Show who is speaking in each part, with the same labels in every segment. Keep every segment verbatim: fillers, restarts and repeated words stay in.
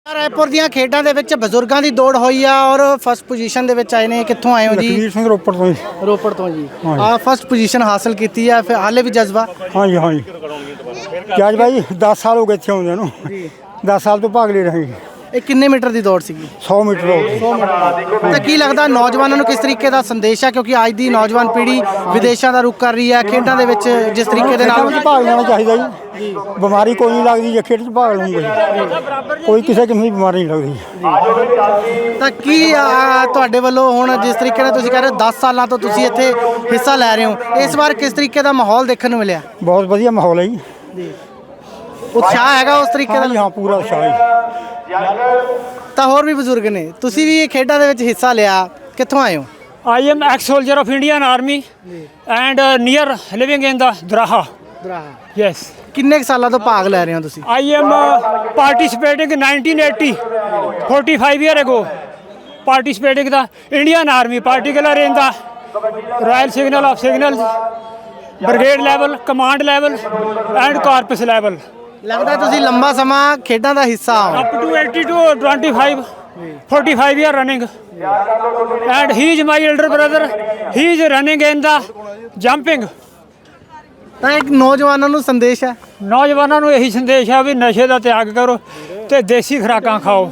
Speaker 1: ਰਾਏਪੁਰ ਦੀਆਂ ਖੇਡਾਂ ਦੇ ਵਿੱਚ ਬਜ਼ੁਰਗਾਂ ਦੀ ਦੌੜ ਹੋਈ ਆ ਔਰ ਫਸਟ ਪੋਜੀਸ਼ਨ ਦੇ ਵਿੱਚ ਆਏ ਨੇ। ਕਿੱਥੋਂ ਆਏ ਹੋ ਜੀ?
Speaker 2: ਲਖਵੀਰ ਸਿੰਘ ਰੋਪੜ ਤੋਂ ਜੀ।
Speaker 1: ਰੋਪੜ ਤੋਂ ਜੀ। ਆ ਫਸਟ ਪੋਜੀਸ਼ਨ ਹਾਸਲ ਕੀਤੀ ਆ, ਫਿਰ ਹਾਲੇ ਵੀ ਜਜ਼ਬਾ?
Speaker 2: ਹਾਂਜੀ ਹਾਂਜੀ ਕਿਆ ਜੀ ਭਾਈ ਦਸ ਸਾਲ ਹੋ ਗਏ ਇੱਥੇ ਆਉਂਦੇ ਨੂੰ। ਦਸ ਸਾਲ ਤੋਂ ਭਾਗ ਲੈ ਰਹੇ ਜੀ।
Speaker 1: ਇਹ ਕਿੰਨੇ ਮੀਟਰ ਦੀ ਦੌੜ ਸੀਗੀ?
Speaker 2: ਸੌ ਮੀਟਰ ਹੋ ਗਈ।
Speaker 1: ਤਾਂ ਕੀ ਲੱਗਦਾ ਨੌਜਵਾਨਾਂ ਨੂੰ ਕਿਸ ਤਰੀਕੇ ਦਾ ਸੰਦੇਸ਼ ਹੈ, ਕਿਉਂਕਿ ਅੱਜ ਦੀ ਨੌਜਵਾਨ ਪੀੜ੍ਹੀ ਵਿਦੇਸ਼ਾਂ ਦਾ ਰੁਖ ਕਰ ਰਹੀ ਹੈ, ਖੇਡਾਂ ਦੇ ਵਿੱਚ ਜਿਸ ਤਰੀਕੇ ਦੇ ਨਾਲ
Speaker 2: ਭਾਗ ਲੈਣਾ ਚਾਹੀਦਾ ਜੀ। ਬਿਮਾਰੀ ਕੋਈ ਨਹੀਂ ਲੱਗਦੀ ਜੇ ਖੇਡ 'ਚ ਭਾਗ ਲਊਂਗਾ ਜੀ, ਕੋਈ ਕਿਸੇ ਕਿਸਮ ਦੀ ਬਿਮਾਰੀ ਨਹੀਂ ਲੱਗਦੀ।
Speaker 1: ਤਾਂ ਕੀ ਆ, ਤੁਹਾਡੇ ਵੱਲੋਂ ਹੁਣ ਜਿਸ ਤਰੀਕੇ ਨਾਲ ਤੁਸੀਂ ਕਹਿ ਰਹੇ ਹੋ ਦਸ ਸਾਲਾਂ ਤੋਂ ਤੁਸੀਂ ਇੱਥੇ ਹਿੱਸਾ ਲੈ ਰਹੇ ਹੋ, ਇਸ ਵਾਰ ਕਿਸ ਤਰੀਕੇ ਦਾ ਮਾਹੌਲ ਦੇਖਣ ਨੂੰ ਮਿਲਿਆ?
Speaker 2: ਬਹੁਤ ਵਧੀਆ ਮਾਹੌਲ ਹੈ ਜੀ।
Speaker 1: ਉਤਸ਼ਾਹ ਹੈਗਾ ਉਸ ਤਰੀਕੇ ਦਾ?
Speaker 2: ਹਾਂ ਪੂਰਾ ਉਤਸ਼ਾਹ ਹੈ।
Speaker 1: ਤਾਂ ਹੋਰ ਵੀ ਬਜ਼ੁਰਗ ਨੇ, ਤੁਸੀਂ ਵੀ ਇਹ ਖੇਡਾਂ ਦੇ ਵਿੱਚ ਹਿੱਸਾ ਲਿਆ, ਕਿੱਥੋਂ ਆਏ ਹੋ?
Speaker 3: I am ex-soldier of Indian Army and uh, near living in the Draha. Yes.
Speaker 1: ਕਿੰਨੇ ਕੁ ਸਾਲਾਂ ਤੋਂ ਭਾਗ ਲੈ ਰਹੇ ਹੋ ਤੁਸੀਂ?
Speaker 3: I am uh, participating in nineteen eighty, forty-five year ago. Participating in the Indian Army, particularly in the Royal Signal of Signals, Brigade level, Command level, and Corpus level.
Speaker 1: ਲੱਗਦਾ ਤੁਸੀਂ ਲੰਬਾ ਸਮਾਂ ਖੇਡਾਂ ਦਾ ਹਿੱਸਾ ਹੋ।
Speaker 3: Up to eighty to twenty-five, forty-five year running. And he is my elder brother. He is running in the jumping.
Speaker 1: ਤਾਂ ਇੱਕ ਨੌਜਵਾਨਾਂ ਨੂੰ ਸੰਦੇਸ਼ ਹੈ?
Speaker 3: ਨੌਜਵਾਨਾਂ ਨੂੰ ਇਹੀ ਸੰਦੇਸ਼ ਹੈ ਵੀ ਨਸ਼ੇ ਦਾ ਤਿਆਗ ਕਰੋ ਤੇ ਦੇਸੀ ਖੁਰਾਕਾਂ ਖਾਓ।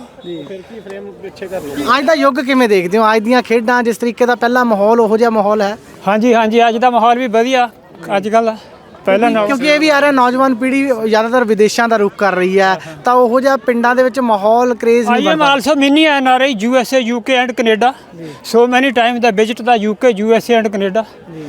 Speaker 1: ਅੱਜ ਦਾ ਯੁੱਗ ਕਿਵੇਂ ਦੇਖਦੇ ਹੋ? ਅੱਜ ਦੀਆਂ ਖੇਡਾਂ ਜਿਸ ਤਰੀਕੇ ਦਾ ਪਹਿਲਾ ਮਾਹੌਲ ਉਹੋ ਜਿਹਾ ਮਾਹੌਲ ਹੈ?
Speaker 3: ਹਾਂਜੀ ਹਾਂਜੀ ਅੱਜ ਦਾ ਮਾਹੌਲ ਵੀ ਵਧੀਆ ਅੱਜ ਕੱਲ੍ਹ ਪਹਿਲਾਂ ਨਾਲੋਂ।
Speaker 1: ਕਿਉਂਕਿ ਇਹ ਵੀ ਆ ਰਿਹਾ ਨੌਜਵਾਨ ਪੀੜ੍ਹੀ ਜ਼ਿਆਦਾਤਰ ਵਿਦੇਸ਼ਾਂ ਦਾ ਰੁਖ ਕਰ ਰਹੀ ਹੈ, ਤਾਂ ਉਹੋ ਜਿਹਾ ਪਿੰਡਾਂ ਦੇ ਵਿੱਚ ਮਾਹੌਲ craze
Speaker 3: I am also mini N R I U S A U K and Canada, so many time ਦਾ ਵਿਜ਼ਿਟ ਦਾ U K U S A and Canada.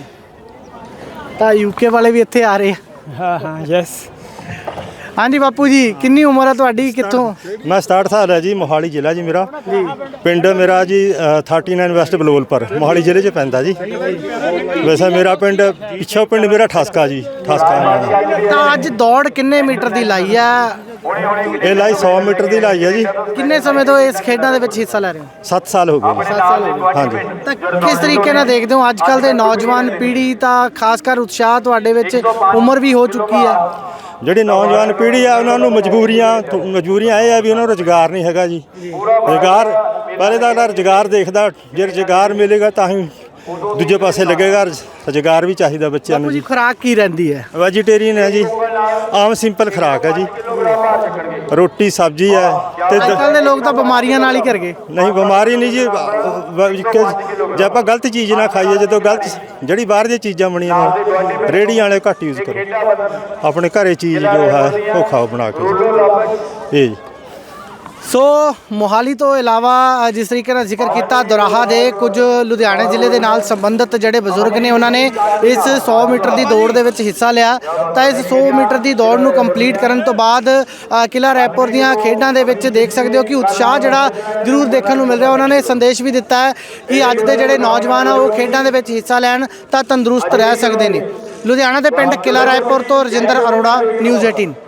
Speaker 1: ਤਾਂ ਯੂਕੇ ਵਾਲੇ ਵੀ ਇੱਥੇ ਆ ਰਹੇ ਆ?
Speaker 3: ਹਾਂ ਹਾਂ ਯੈਸ।
Speaker 1: ਹਾਂਜੀ ਬਾਪੂ ਜੀ, ਕਿੰਨੀ ਉਮਰ ਹੈ ਤੁਹਾਡੀ? ਕਿੱਥੋਂ?
Speaker 4: ਮੈਂ ਸਤਾਹਠ ਸਾਲ ਹੈ ਜੀ, ਮੋਹਾਲੀ ਜ਼ਿਲ੍ਹਾ ਜੀ ਮੇਰਾ। ਪਿੰਡ ਮੇਰਾ ਜੀ ਉਨਤਾਲੀ ਵੈਸਟ ਬਲਵੋਲਪੁਰ ਮੋਹਾਲੀ ਜ਼ਿਲ੍ਹੇ 'ਚ ਪੈਂਦਾ ਜੀ। ਵੈਸੇ ਮੇਰਾ ਪਿੰਡ ਪਿੱਛੋਂ ਪਿੰਡ ਮੇਰਾ ਠਾਸਕਾ ਜੀ, ਠਾਸਕਾ।
Speaker 1: ਤਾਂ ਅੱਜ ਦੌੜ ਕਿੰਨੇ ਮੀਟਰ ਦੀ ਲਾਈ ਆ?
Speaker 4: ਇਹ ਲਾਈ ਸੌ ਮੀਟਰ ਦੀ ਲਾਈ ਹੈ ਜੀ।
Speaker 1: ਕਿੰਨੇ ਸਮੇਂ ਤੋਂ ਇਸ ਖੇਡਾਂ ਦੇ ਵਿੱਚ ਹਿੱਸਾ ਲੈ ਰਹੇ ਹੋ?
Speaker 4: ਸੱਤ ਸਾਲ ਹੋ ਗਏ।
Speaker 1: ਸੱਤ ਸਾਲ ਹੋ ਗਏ।
Speaker 4: ਹਾਂਜੀ।
Speaker 1: ਤਾਂ ਕਿਸ ਤਰੀਕੇ ਨਾਲ ਦੇਖਦੇ ਹੋ ਅੱਜ ਕੱਲ੍ਹ ਦੇ ਨੌਜਵਾਨ ਪੀੜ੍ਹੀ, ਤਾਂ ਖਾਸ ਕਰ ਉਤਸ਼ਾਹ ਤੁਹਾਡੇ ਵਿੱਚ, ਉਮਰ ਵੀ ਹੋ ਚੁੱਕੀ ਹੈ?
Speaker 4: ਜਿਹੜੀ ਨੌਜਵਾਨ ਪੀੜ੍ਹੀ ਆ ਉਹਨਾਂ ਨੂੰ ਮਜਬੂਰੀਆਂ ਮਜਬੂਰੀਆਂ ਇਹ ਆ ਵੀ ਉਹਨਾਂ ਨੂੰ ਰੁਜ਼ਗਾਰ ਨਹੀਂ ਹੈਗਾ ਜੀ। ਰੁਜ਼ਗਾਰ ਪਹਿਲੇ ਤਾਂ ਰੁਜ਼ਗਾਰ ਦੇਖਦਾ, ਜੇ ਰੁਜ਼ਗਾਰ ਮਿਲੇਗਾ ਤਾਂ ਹੀ ਦੂਜੇ ਪਾਸੇ ਲੱਗੇਗਾ। ਰੁਜ਼ਗਾਰ ਵੀ ਚਾਹੀਦਾ ਬੱਚਿਆਂ ਨੂੰ
Speaker 1: ਜੀ।
Speaker 4: ਜੀ।
Speaker 1: ਖੁਰਾਕ ਕੀ ਰਹਿੰਦੀ ਹੈ?
Speaker 4: ਵੈਜੀਟੇਰੀਅਨ ਹੈ ਜੀ, ਆਮ ਸਿੰਪਲ ਖੁਰਾਕ ਹੈ ਜੀ, ਰੋਟੀ ਸਬਜ਼ੀ ਹੈ। ਤੇ
Speaker 1: ਅੱਜ ਕੱਲ੍ਹ ਦੇ ਲੋਕ ਤਾਂ ਬਿਮਾਰੀਆਂ ਨਾਲ ਹੀ ਕਰ ਗਏ।
Speaker 4: ਨਹੀਂ ਬਿਮਾਰੀ ਨਹੀਂ ਜੀ, ਜੇ ਆਪਾਂ ਗਲਤ ਚੀਜ਼ ਨਾ ਖਾਈਏ, ਜਦੋਂ ਗਲਤ ਜਿਹੜੀ ਬਾਹਰ ਦੀਆਂ ਚੀਜ਼ਾਂ ਬਣੀਆਂ ਨੇ ਰੇਹੜੀਆਂ ਵਾਲੇ ਘੱਟ ਯੂਜ਼ ਕਰੋ, ਆਪਣੇ ਘਰੇ ਚੀਜ਼ ਜੋ ਹੈ ਉਹ ਖਾਓ ਬਣਾ ਕੇ ਜੀ। ਇਹ ਜੀ।
Speaker 1: ਸੋ ਮੋਹਾਲੀ ਤੋਂ ਇਲਾਵਾ ਜਿਸ ਤਰੀਕੇ ਨਾਲ ਜ਼ਿਕਰ ਕੀਤਾ ਦੁਰਾਹਾ ਦੇ ਕੁਝ ਲੁਧਿਆਣੇ ਜ਼ਿਲ੍ਹੇ ਦੇ ਨਾਲ ਸੰਬੰਧਿਤ ਜਿਹੜੇ ਬਜ਼ੁਰਗ ਨੇ, ਉਹਨਾਂ ਨੇ ਇਸ ਸੌ ਮੀਟਰ ਦੀ ਦੌੜ ਦੇ ਵਿੱਚ ਹਿੱਸਾ ਲਿਆ। ਤਾਂ ਇਸ ਸੌ ਮੀਟਰ ਦੀ ਦੌੜ ਨੂੰ ਕੰਪਲੀਟ ਕਰਨ ਤੋਂ ਬਾਅਦ ਕਿਲ੍ਹਾ ਰਾਏਪੁਰ ਦੀਆਂ ਖੇਡਾਂ ਦੇ ਵਿੱਚ ਦੇਖ ਸਕਦੇ ਹੋ ਕਿ ਉਤਸ਼ਾਹ ਜਿਹੜਾ ਜ਼ਰੂਰ ਦੇਖਣ ਨੂੰ ਮਿਲ ਰਿਹਾ। ਉਹਨਾਂ ਨੇ ਸੰਦੇਸ਼ ਵੀ ਦਿੱਤਾ ਹੈ ਕਿ ਅੱਜ ਦੇ ਜਿਹੜੇ ਨੌਜਵਾਨ ਆ ਉਹ ਖੇਡਾਂ ਦੇ ਵਿੱਚ ਹਿੱਸਾ ਲੈਣ ਤਾਂ ਤੰਦਰੁਸਤ ਰਹਿ ਸਕਦੇ ਨੇ। ਲੁਧਿਆਣਾ ਦੇ ਪਿੰਡ ਕਿਲ੍ਹਾ ਰਾਏਪੁਰ ਤੋਂ ਰਜਿੰਦਰ ਅਰੋੜਾ, ਨਿਊਜ਼ ਅਠਾਰਾਂ।